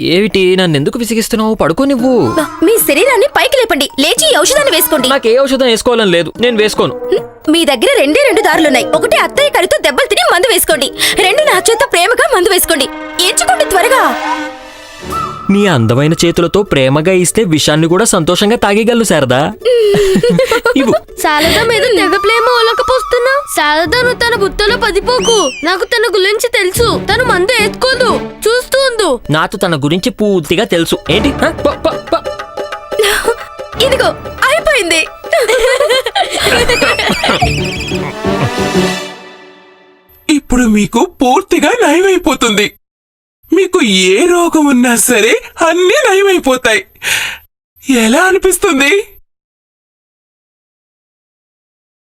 ఏమిటి నన్నెందుకు విసిగిస్తున్నావు? పడుకో నువ్వు. మీ శరీరాన్ని పైకి లేపండి, లేచి ఈ ఔషధాన్ని వేసుకోండి. నాకు ఏ ఔషధం వేసుకోవాలని లేదు, నేను వేసుకోను. మీ దగ్గర రెండు దారులున్నాయి. ఒకటి అత్తయ్య కరితో దెబ్బలు తిని మందు వేసుకోండి, రెండు నా చేత ప్రేమగా మందు వేసుకోండి. ఎంచుకోండి త్వరగా. నీ అందమైన చేతులతో ప్రేమగా ఇస్తే విషాన్ని కూడా సంతోషంగా తాగేయగలను శారదా. ఇవ్వు. శారద మీద తెగ ప్రేమ ఒలకపోస్తున్నా. శారదను తన బుట్టలో పదిపోకు. నాకు తన గురించి తెలుసు. తను మందు ఎత్తుకోదు, చూస్తూ ఉండు. నాకు తన గురించి పూర్తిగా తెలుసు. ఏంటి? ఇదిగో అయిపోయింది. ఇప్పుడు మీకు పూర్తిగా నయమైపోతుంది. మీకు ఏ రోగం ఉన్నా సరే అన్నీ నయమైపోతాయి. ఎలా అనిపిస్తుంది?